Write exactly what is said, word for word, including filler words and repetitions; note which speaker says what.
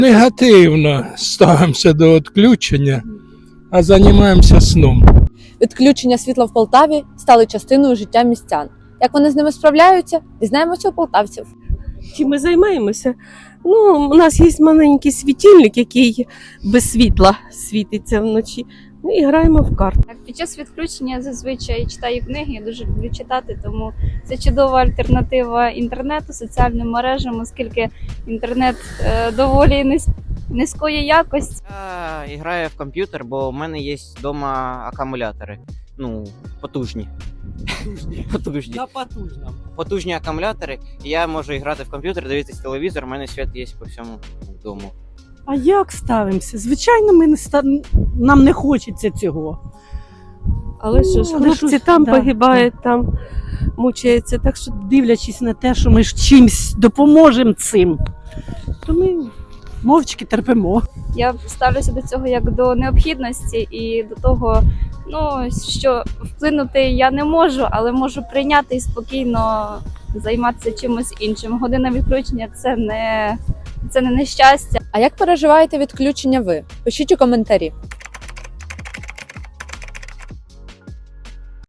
Speaker 1: Негативно ставимося до відключення, а займаємося сном.
Speaker 2: Відключення світла в Полтаві стали частиною життя містян. Як вони з ними справляються, дізнаємося у полтавців.
Speaker 3: Чим ми займаємося? Ну, у нас є маленький світильник, який без світла світиться вночі. Ну і граємо в карти.
Speaker 4: Так, під час відключення я зазвичай читаю книги, я дуже люблю читати, тому це чудова альтернатива інтернету, соціальним мережам, оскільки інтернет е, доволі низ, низької якості.
Speaker 5: Я граю в комп'ютер, бо у мене є вдома акумулятори. Ну, потужні. Потужні.
Speaker 6: На потужному.
Speaker 5: Потужні акумулятори. І я можу грати в комп'ютер, дивитися телевізор, у мене світ є по всьому дому.
Speaker 6: А як ставимося? Звичайно, ми не ста... нам не хочеться цього.
Speaker 3: Але що ж,
Speaker 6: Ну, але
Speaker 3: хлопці
Speaker 6: що ж,
Speaker 3: там
Speaker 6: да,
Speaker 3: погибають, там мучаються. Так що
Speaker 6: Дивлячись на те, що ми ж чимсь допоможемо цим, то ми мовчки терпимо.
Speaker 4: Я ставлюся до цього як до необхідності і до того, ну, що вплинути я не можу, але можу прийняти і спокійно займатися чимось іншим. Година відключення – це не, це не нещастя.
Speaker 2: А як переживаєте відключення ви? Пишіть у коментарі.